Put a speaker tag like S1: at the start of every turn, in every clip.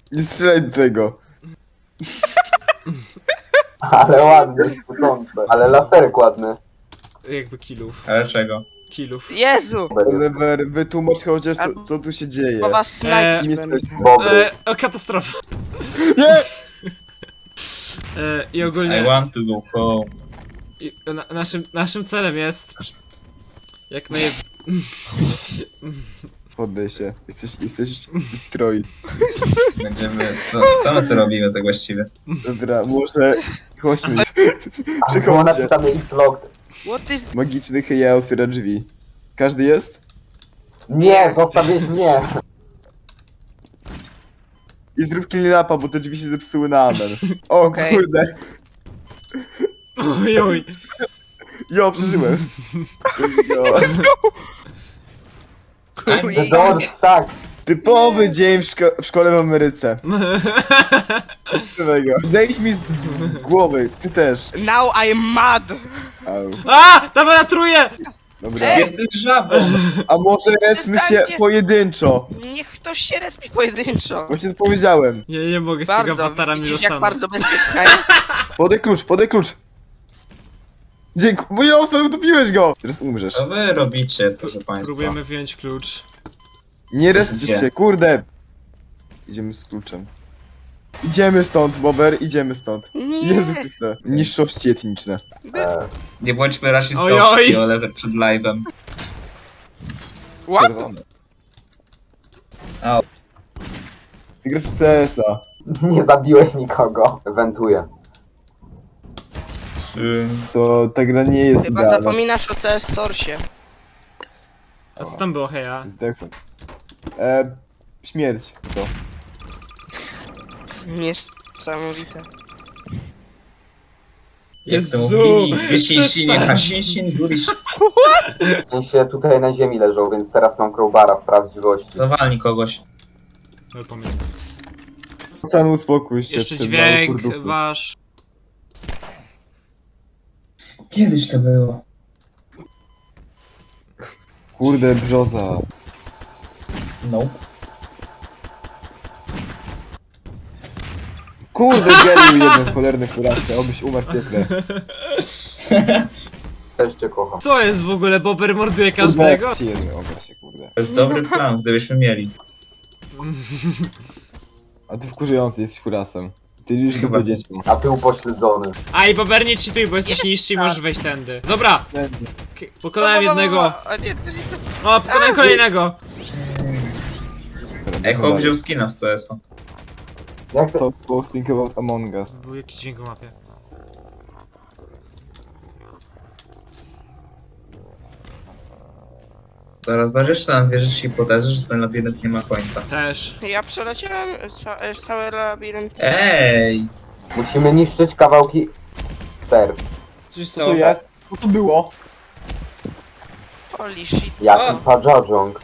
S1: Nie strzelaj do tego.
S2: Ale ładne, świecące. Ale laserek ładny.
S3: Jakby killów.
S4: Ale czego?
S3: Killów.
S5: Jezu!
S1: Oliver, wytłumacz chociaż co tu się dzieje.
S5: Bo was snajpić
S1: Kim
S5: będę.
S1: jesteś?
S2: Bobry.
S3: O, katastrofa.
S1: Nie!
S3: I
S4: I
S3: ogólnie
S4: want to go home.
S3: naszym celem jest jak naj...
S1: Poddaj się. Jesteś Detroit.
S4: Będziemy... Co my tu robimy tak właściwie?
S1: Dobra, może... Chodźmy.
S2: A było
S1: Przychodźcie.
S2: napisane It's locked.
S5: What is...
S1: Magiczny heja otwiera drzwi. Każdy jest?
S2: Nie, zostawiłeś mnie.
S1: I zrób clean-upa, bo te drzwi się zepsuły na amen. O
S5: Okej.
S1: kurde.
S3: Ojoj.
S1: Jo, przeżyłem. Jo.
S2: The doors, tak.
S1: Typowy dzień w szkole w Ameryce. Tego. Zejdź mi z głowy, ty też.
S5: Now I am mad!
S1: Au.
S3: A! Dawaj na truje!
S1: Dobra.
S4: Jesteś żabą!
S1: A może respmy się
S5: Przestańcie.
S1: pojedynczo?
S5: Niech ktoś się respi pojedynczo.
S1: Właśnie to powiedziałem.
S3: Ja nie mogę z tego
S5: Bardzo,
S3: awatara mi
S5: widzisz jak
S3: dostanę.
S5: bardzo bezpiecznie.
S1: Podaj klucz, podaj klucz. Dziękuję. Mój osób, utopiłeś go. Teraz umrzesz.
S4: Co wy robicie, proszę państwa?
S3: Próbujemy wyjąć klucz.
S1: Nie respcie się, kurde. Idziemy z kluczem. Idziemy stąd, Bober, idziemy stąd.
S5: Nie!
S1: Jezu Chryste. Niższości etniczne.
S4: Nie bądźmy
S3: Oj,
S4: rasistowski,
S3: oj.
S4: Oliver, przed live'em.
S5: What?
S1: Czerwone.
S4: A.
S1: Ty grasz w CS-a.
S2: Nie zabiłeś nikogo. Wentuję.
S1: To ta gra nie jest
S5: Chyba
S1: idealna.
S5: zapominasz o CS Source.
S3: A co tam było, heja?
S1: Zdechłem. Śmierć. To.
S5: Niesamowite.
S4: Jak to
S3: Jezu,
S4: mówili,
S3: przestań.
S2: W sensie tutaj na ziemi leżą, więc teraz mam crowbara w prawdziwości.
S4: Zawalni kogoś.
S3: No pomysł.
S1: Stan uspokój się.
S3: Jeszcze
S1: ty mały
S3: dźwięk
S1: kurduchu.
S3: wasz.
S4: Kiedyś to było.
S1: Kurde, brzoza.
S4: No.
S1: Kurde, geniusz jeden w cholerny furaskę, obyś umarł w piekle.
S2: Też cię kocham.
S3: Co jest w ogóle? Bober morduje każdego?
S1: Kurde, jeden ogar się, kurde.
S4: To jest dobry plan, gdybyśmy mieli.
S1: A ty wkurzający jesteś furasem. Ty już
S4: Chyba.
S1: chyba dzieci.
S2: A ty upośledzony.
S3: A i Bober nie cheatuj, bo jesteś niższy i możesz wejść tędy. Dobra, pokonałem jednego.
S5: A nie, to nie to.
S3: O, pokonałem kolejnego.
S4: Echo wziął skina z CS-a.
S2: Jak to?
S1: Talk about think about Among Us.
S3: Był jakiś dźwięk o mapie.
S4: Zaraz będziesz tam wierzyć hipotezę, że ten labirynt nie ma końca.
S3: Też.
S5: Ja przeleciałem cały labirynt.
S4: Ej!
S2: Musimy niszczyć kawałki serc.
S3: Coś
S1: Co to jest? Co to było?
S5: Holy shit.
S2: Jaki Pajajong.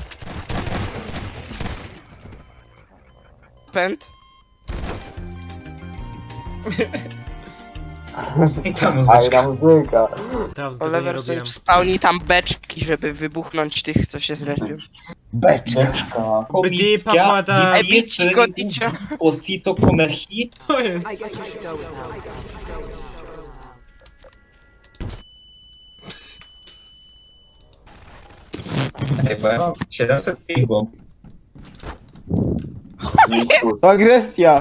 S5: Pęd.
S4: I ta muzyczka.
S2: Fajna muzyka.
S3: Dawno tego nie
S5: Oliver sobie
S3: robiłem.
S5: spełni tam beczki, żeby wybuchnąć tych, co się zrespią.
S1: Beczka.
S3: Bdi papada.
S5: Ej, bici godnicia.
S4: Posito come hit.
S3: To jest.
S4: Ej, bo ja mam 700 pingów.
S2: Jezus.
S1: To agresja!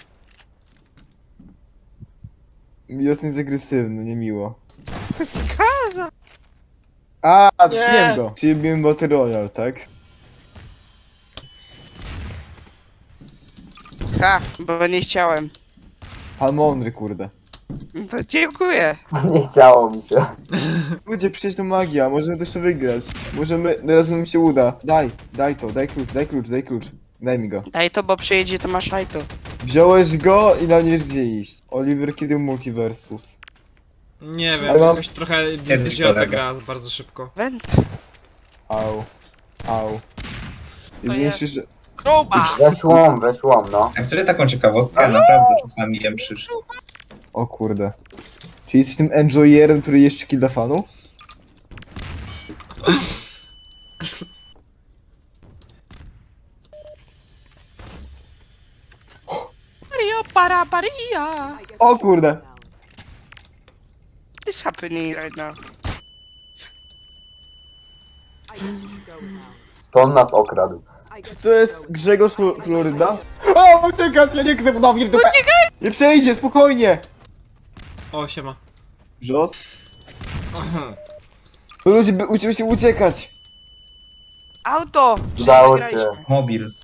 S1: Milos jest agresywny, niemiło.
S5: Skaza!
S1: A,
S3: Nie.
S1: wiem go. Czyli biłem Battle Royale, tak?
S5: Ha, bo nie chciałem.
S1: Pan mądry, kurde.
S5: To dziękuję.
S2: Nie chciało mi się.
S1: Ludzie, przecież to magia, możemy to jeszcze wygrać. Możemy, teraz nam się uda. Daj to, daj klucz, daj klucz, daj klucz. Daj mi go.
S5: Daj to, bo przyjedzie Tomasz Hajto.
S1: Wziąłeś go i na nie wiesz gdzie iść. Oliver, kiedy multiversus?
S3: Nie
S1: Ale
S3: wiem,
S1: mam-
S3: jakoś trochę
S4: Kiedyś
S3: wzięła ta
S4: kolega.
S3: gra bardzo szybko.
S5: Węd.
S1: Au. Au. I
S5: To
S1: myślisz,
S5: jest.
S1: że...
S5: Kroba!
S2: Weź łom, no.
S4: Jak sobie taką ciekawostkę, ja naprawdę czasami jem przysz.
S1: O kurde. Czy jesteś tym enjoyerem, który jeszcze kilda fanów?
S5: para paria.
S1: O kurde.
S5: What's happening right now?
S2: To on nas okradł.
S1: To jest Grzegorz Floryda? O, uciekać, ja nie chcę ponownie w dupę. Nie przejdzie, spokojnie.
S3: O, siema.
S1: Brzos? To ludzie by uczyły się uciekać.
S5: Auto!
S2: Udało
S5: Przegraliśmy.
S2: się.
S4: Mobil.